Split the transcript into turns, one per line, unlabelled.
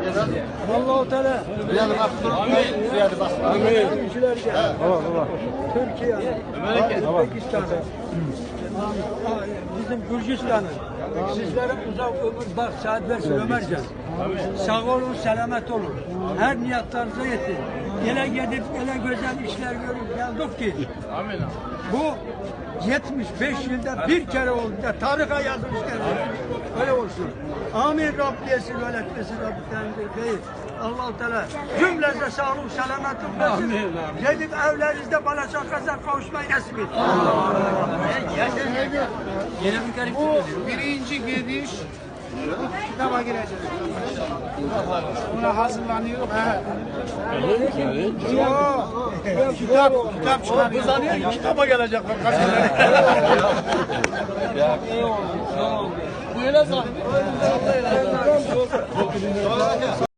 Allah-u Teala. Amin. Ülkelerce. Türkiye'nin, Özbekistan'ın, bizim Gürcistan'ın, sizlere uzak ömür, bak saat versin Ömercan. Sağ olun, selamet olun. Her niyatlarınıza yetin. Ele gidip, ele güzel işler görüp geldik ki.
Amin.
Bu 75 yılda bir kere oldu da tarihe yazılmış öyle olsun. Amin Rabbiyesi ve letmesi Rabbiden değil. Allah-u Teala cümlenize sağlık, selamet versin. Gidip evlerinizde bana şakaza kavuşmayı nasip et.
Bu birinci gidiş kitaba girecek. Buna hazırlanıyor. Kitap çıkarıyor. Kızanıyor ki kitaba gelecek. Bu yine